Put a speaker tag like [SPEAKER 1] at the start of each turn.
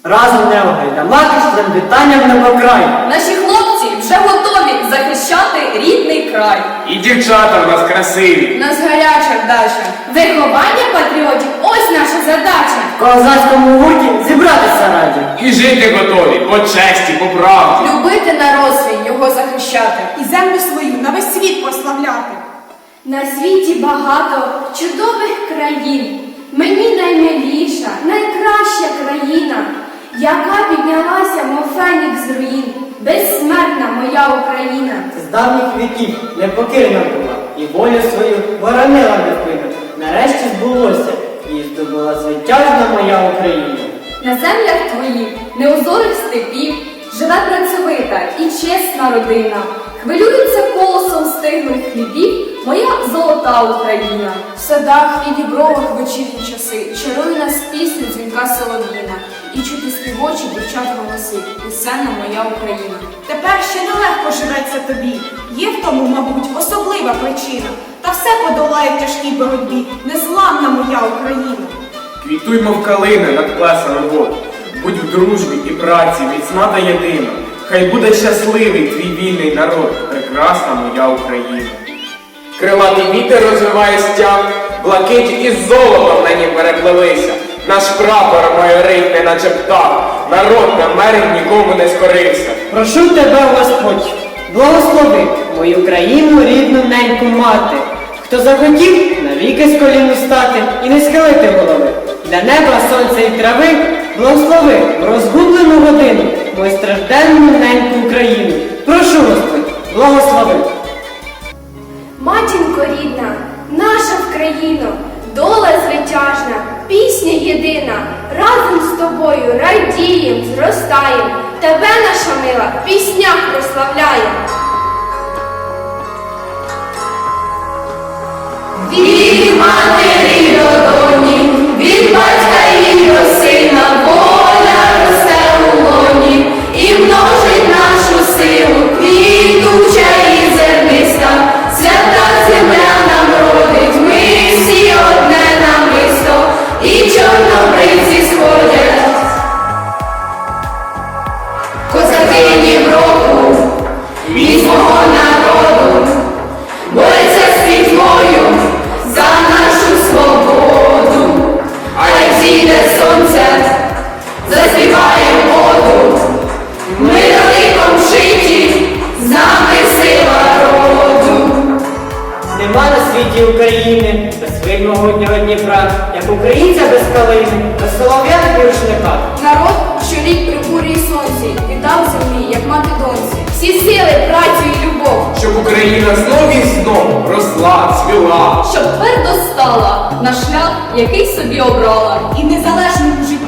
[SPEAKER 1] Разом не огайдамаки шлем вітання в небокрай.
[SPEAKER 2] Наші хлопці вже готові захищати рідний край.
[SPEAKER 3] І дівчата в нас красиві.
[SPEAKER 2] Нас гаряча вдача. Виховання патріотів – ось наша задача.
[SPEAKER 1] В козацькому гурті зібратися раді.
[SPEAKER 3] І жити готові по честі, по правді.
[SPEAKER 2] Любити народ свій, його захищати.
[SPEAKER 4] І землю свою на весь світ прославляти.
[SPEAKER 5] На світі багато чудових країн. Мені наймиліша, найкраща країна, яка піднялася, мов фенікс з руїн. Безсмертна моя Україна.
[SPEAKER 1] З давніх віків непокірна була, і волю свою боронила невпинно. Нарешті збулося, і здобула звитяжна моя Україна.
[SPEAKER 2] На землях твоїх, неозорих степів, живе працьовита і чесна родина. Хвилюється колосом стиглих хлібів моя золота Україна.
[SPEAKER 6] В садах і дібровах вечірні часи чарує нас пісню дзвінка солов'їна, і чути співочі дівчат голоси, пісенна моя Україна.
[SPEAKER 4] Тепер ще нелегко живеться тобі. Є в тому, мабуть, особлива причина. Та все подолає в тяжкій боротьбі. Незламна моя Україна.
[SPEAKER 3] Квітуймо в калини над плесом воду. Будь в дружбі і праці, міцна та єдина. Хай буде щасливий твій вільний народ, прекрасна моя Україна. Крилатий вітер розвиває стяг, блакить із золотом на нім перепливися. Наш прапор майорить, не наче птах, народ намерень нікому не скорився.
[SPEAKER 1] Прошу тебе, Господь, благослови мою країну, рідну неньку мати. Хто захотів навіки з колін устати і не схилити голови. Для неба, сонця і трави благослови в розгублену годину мою стражденну неньку Україну. Прошу, Господь, благослови.
[SPEAKER 5] Матінко рідна, наша Вкраїно, доля звитяжна, пісня єдина. Разом з тобою радієм, зростаєм, тебе, наша мила, в піснях прославляєм.
[SPEAKER 2] Від матері до доні, від батька і до сина, воля росте у лоні і множить нашу силу, квітуча і зерниста, свята земля нам родить, ми всі одне намисто, і чорнобривці сходять. Козаки року, міць мого народу, бореться з пітьмою за нашу свободу, а як зійде сонце, заспіваєм оду. Ми далеком житті, з нами сила роду.
[SPEAKER 1] Нема на світі України без свого Дніпра, як українця без калини, без солов'я і рушника.
[SPEAKER 6] Народ, що рік при бурі й сонці, віддав землі, як мати доньці.
[SPEAKER 5] Всі сили, працю і любов,
[SPEAKER 3] Щоб Україна знов і знов росла, цвіла.
[SPEAKER 2] Щоб твердо стала на шлях, який собі обрала.
[SPEAKER 4] І в незалежному житті